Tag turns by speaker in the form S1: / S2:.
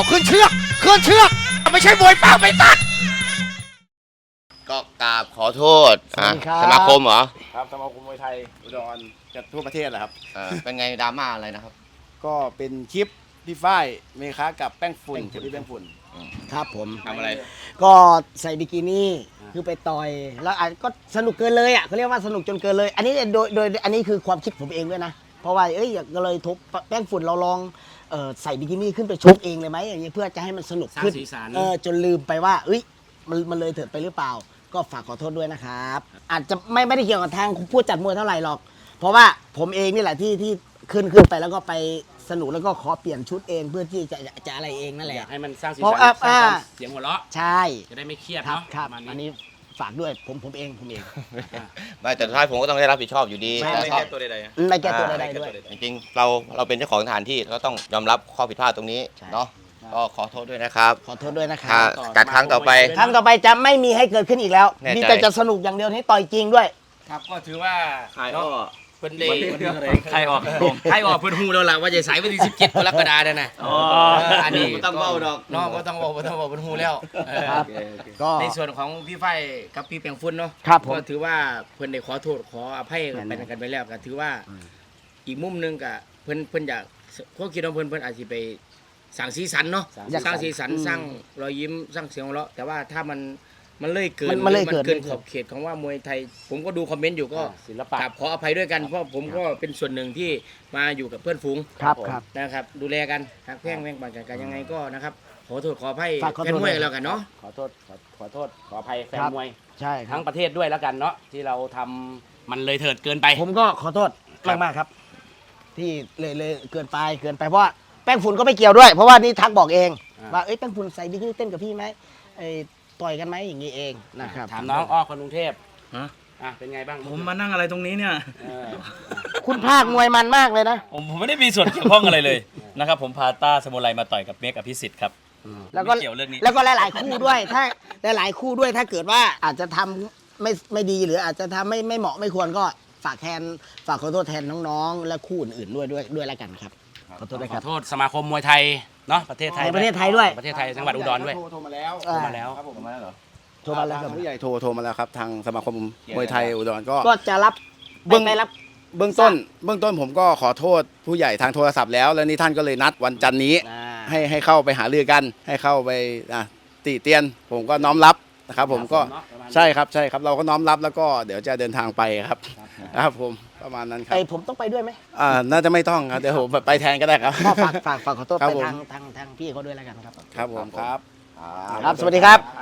S1: เอาขึ้นเชือกไม่ใช่มวยเปล่าไปตัดก็กราบขอโทษสมาคมเหรอ
S2: ครับสมาคมมวยไทยอุดรจัดทั่วประเทศแหละครับ
S1: เป็นไงดราม่าอะไรนะครับ
S2: ก็เป็นคลิปพี่ฝ้ายเมค้ากับแป้งฝุ่นกับพี่แป้งฝุ่น
S3: ครับผม
S1: ทำอะไร
S3: ก็ใส่บิกินี่คือไปต่อยแล้วก็สนุกเกินเลยอ่ะเขาเรียกว่าสนุกจนเกินเลยอันนี้โดยอันนี้คือความคิดผมเองด้วยนะเพราะว่าก็เลยทุบแป้งฝุ่นเราลองใส่บิกินี่ขึ้นไปชกเองเลยไหมอย่างเงี้ยเพื่อจะให้มันสนุกขึ้นจนลืมไปว่ามันเลยเถิดไปหรือเปล่าก็ฝากขอโทษด้วยนะครับอาจจะไม่ได้เกี่ยวกับทางผู้จัดมวยเท่าไหร่หรอกเพราะว่าผมเองนี่แหละที่ขึ้นไปแล้วก็ไปสนุกแล้วก็ขอเปลี่ยนชุดเองเพื่อที่จะอะไรเองนั่นแหละ
S4: อยากให้มันสร้างสีสันสร้างเสียงหัวเราะ
S3: ใช่
S4: จะได้ไม่เครียด
S3: ครับ
S4: เนาะ
S3: ครับอันนี้ฝากด้วยผมเอง
S1: ไม่แต่สุดท้ายผมก็ต้องได้รับผิดชอบอยู่ดี
S2: ไม่แก้ตัวใดๆ
S3: ไม่แก้ตัวใดๆด้วย
S1: จริงๆเราเป็นเจ้าของสถานที่ก็ต้องยอมรับข้อผิดพลาดตรงนี้เนาะก็ขอโทษด้วยนะครับ
S3: ขอโทษด้วยนะครับ
S1: จัดครั้งต่อไป
S3: จะไม่มีให้เกิดขึ้นอีกแล้วมีแต่จะสนุกอย่างเดียวให้ต่อยจริงด้วย
S4: ครับก็ถือว่าเพิ่นได้
S1: ใครออก
S4: เพิ่นฮู้แล้วล่ะว่าจะใส่วันที่17กรกฎาคมนั่นน่ะอันนี้
S1: ต้องเว้าดอก
S4: เนาะบ่ต้องเว้าเพิ่นฮู้แล้วก็ในส่วนของพี่ไฟกับพี่แปงฝุ่นเนาะก็ถือว่าเพิ่นได้ขอโทษขออภัยกันไปแล้วก็ถือว่าอีกมุมนึงก็เพิ่นอยากความคิดของเพิ่นอาจสิไปสร้างสีสันเนาะสร้างสีสันสร้างรอยยิ้มสร้างเสียงหัวเราะแต่ว่าถ้ามันเลยเกินขอบเขตของว่ามวยไทยผมก็ดูคอมเมนต์อยู่ก็
S2: ศิลปะ
S4: ขออภัยด้วยกันเพราะผมก็เป็นส่วนหนึ่งที่มาอยู่กับเพื่อนฝูงนะครับดูแลกันทักแพ่งแพ่งปันกันยังไงก็นะครับขอโทษขออภัยแฟนมวยแล้วกันเนาะ
S2: ขอโทษขออภัยแฟนมวย
S3: ใช่
S2: ทั้งประเทศด้วยแล้วกันเนาะที่เราทำมันเลยเถิดเกินไป
S3: ผมก็ขอโทษมากครับที่เลยเกินไปเพราะว่าแป้งฝุ่นก็ไม่เกี่ยวด้วยเพราะว่านี่ทักบอกเองว่าแป้งฝุ่นใส่บิกินี่เต้นกับพี่ไหมต่อยกันไหมอย่างนี้เองนะครับ
S2: ถามน้องอ้อคนกรุงเทพเป็นไงบ้าง
S5: ผมมานั่งอะไรตรงนี้เนี่ย
S3: คุณภาคมวยมันมากเลยนะ
S5: ผมไม่ได้มีส่วนเกี่ยวข้องอะไรเลยนะครับผมพาต้าสมุไรมาต่อยกับเมฆอภิสิทธิ์ครับ
S3: แล้วก็หลายๆคู่ด้วยถ้าหลายๆคู่ด้วยถ้าเกิดว่าอาจจะทำไม่ดีหรืออาจจะทำไม่เหมาะไม่ควรก็ฝากขอโทษแทนน้องๆและคู่อื่นๆด้วยแล้วกันครับ
S4: ขอโทษด้วยครับขอโทษสมาคมมวยไทยเนาะประเทศไทย
S3: ด้วย
S4: ประเทศไทยจังหวัดอุดรด้วย
S2: โทรมาแล้ว
S3: ครับผม
S2: เหรอโทรมาแล้วผู้ใหญ่โทรมาแล้วครับทางสมาคมมวยไทยอุดร
S3: ก็จะรับเบื้อง
S2: ต้นผมก็ขอโทษผู้ใหญ่ทางโทรศัพท์แล้วนี่ท่านก็เลยนัดวันจันทร์นี้ให้เข้าไปหารือกันให้เข้าไปติเตียนผมก็น้อมรับนะครับผมก็ใช่ครับเราก็น้อมรับแล้วก็เดี๋ยวจะเดินทางไปครับนะครับผมประมาณนั้นครับ
S3: ผมต้องไปด้วยไหม
S2: น่าจะไม่ต้องครับเดี๋ยวผมไปแทนก็ได้ครับ
S3: ก็ฝากขอโทษไปทางพี่เขาด้วยแล้วกันครับ
S2: ครับผมครับ
S3: สวัสดีครับ